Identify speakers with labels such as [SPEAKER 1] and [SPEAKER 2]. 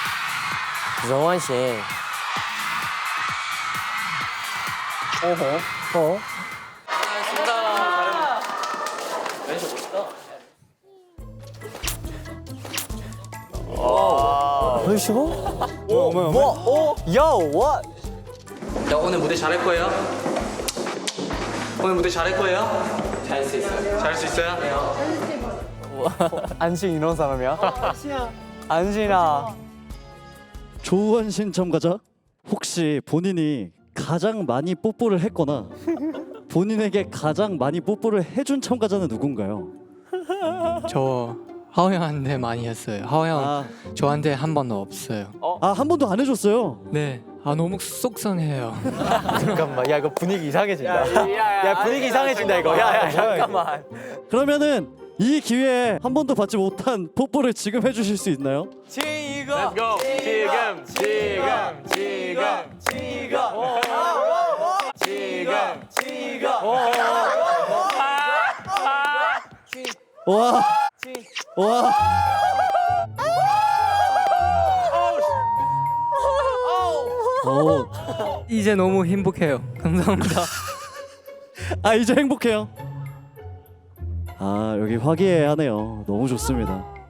[SPEAKER 1] 정환 씨. 어허. 벌써?
[SPEAKER 2] 야, 오늘 무대 잘할 거예요? 오늘 무대 잘할 거예요? 잘할 수 있어요. 잘할 수 있어요?
[SPEAKER 1] 안신 이런 사람이야? 안신아.
[SPEAKER 3] 조원신 참가자, 혹시 본인이 가장 많이 뽀뽀를 했거나 본인에게 가장 많이 뽀뽀를 해준 참가자는 누군가요?
[SPEAKER 4] 저 하오 형한테 많이 했어요. 하오 형
[SPEAKER 3] 아,
[SPEAKER 4] 저한테 한 번도 없어요.
[SPEAKER 3] 한 번도 안 해줬어요.
[SPEAKER 4] 네. 아 너무 속상해요.
[SPEAKER 1] 잠깐만. 야, 이거 분위기 이상해진다. 야, 분위기 이상해진다 이거. 야, 잠깐만.
[SPEAKER 3] 그러면은 이 기회에 한 번도 받지 못한 뽀뽀를 지금 해주실 수 있나요?
[SPEAKER 1] 지금.
[SPEAKER 2] Let's go. 지금.
[SPEAKER 3] 와, 와. 오,
[SPEAKER 4] 이제 너무 행복해요. 감사합니다.
[SPEAKER 3] 아 이제 행복해요. 아 여기 화기애애하네요. 너무 좋습니다.